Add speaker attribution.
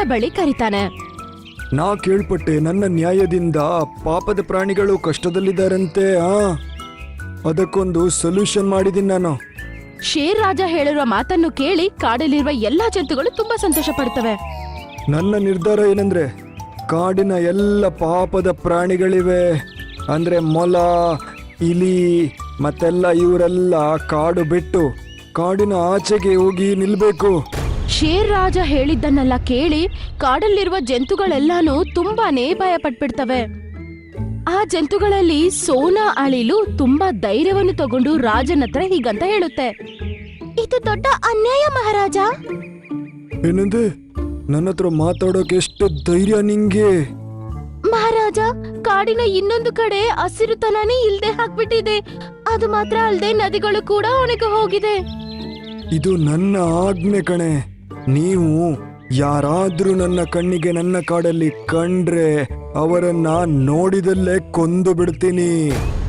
Speaker 1: ಬಳಿ ಕರೀತಾನೆ.
Speaker 2: ನಾ ಕೇಳ್ಪಟ್ಟೆ ನನ್ನ ನ್ಯಾಯದಿಂದ ಪಾಪದ ಪ್ರಾಣಿಗಳು ಕಷ್ಟದಲ್ಲಿದ್ದಾರಂತೆ. ಅದಕ್ಕೊಂದು ಸೊಲ್ಯೂಷನ್ ಮಾಡಿದೀನಿ ನಾನು.
Speaker 1: ಶೇರ್ ರಾಜ ಹೇಳಿರುವ ಮಾತನ್ನು ಕೇಳಿ ಕಾಡಲ್ಲಿರುವ ಎಲ್ಲಾ ಜಂತುಗಳು ತುಂಬಾ ಸಂತೋಷ ಪಡ್ತವೆ.
Speaker 2: ನನ್ನ ನಿರ್ಧಾರ ಏನಂದ್ರೆ, ಕಾಡಿನ ಎಲ್ಲ ಪಾಪದ ಪ್ರಾಣಿಗಳಿವೆ ಅಂದ್ರೆ ಮೊಲ, ಇಲಿ ಮತ್ತೆಲ್ಲ ಇವರೆಲ್ಲ ಕಾಡು ಬಿಟ್ಟು ಕಾಡಿನ ಆಚೆಗೆ ಹೋಗಿ ನಿಲ್ಬೇಕು.
Speaker 1: ಶೇರ್ ರಾಜ ಹೇಳಿದ್ದನ್ನೆಲ್ಲ ಕೇಳಿ ಕಾಡಲ್ಲಿರುವ ಜಂತುಗಳೆಲ್ಲಾನು ತುಂಬಾನೇ ಭಯ ಪಟ್ಬಿಡ್ತವೆ. ಆ ಜಂತುಗಳಲ್ಲಿ ಸೋನಾ ಅಳಿಲು ತುಂಬಾ ಧೈರ್ಯವನ್ನು ತಗೊಂಡು ರಾಜನ ಹತ್ರ ಹೀಗಂತ ಹೇಳುತ್ತೆ, ಇದು ದೊಡ್ಡ ಅನ್ಯಾಯ ಮಹಾರಾಜ.
Speaker 2: ಏನಂದೆ? ನನ್ನ ಹತ್ರ ಮಾತಾಡೋಕೆ ಎಷ್ಟು ಧೈರ್ಯ ನಿಂಗೆ?
Speaker 1: ಮಹಾರಾಜ, ಕಾಡಿನ ಇನ್ನೊಂದು ಕಡೆ ಹಸಿರುತನನೇ ಇಲ್ದೆ ಹಾಕ್ಬಿಟ್ಟಿದೆ. ಅದು ಮಾತ್ರ ಅಲ್ದೆ ನದಿಗಳು ಕೂಡ ಒಣಗಿ ಹೋಗಿದೆ.
Speaker 2: ಇದು ನನ್ನ ಆಜ್ಞೆ ಕಣೆ. ನೀವು ಯಾರಾದ್ರೂ ನನ್ನ ಕಣ್ಣಿಗೆ ನನ್ನ ಕಾಡಲ್ಲಿ ಕಂಡ್ರೆ ಅವರನ್ನ ನೋಡಿದಲ್ಲೇ ಕೊಂದು ಬಿಡ್ತೀನಿ.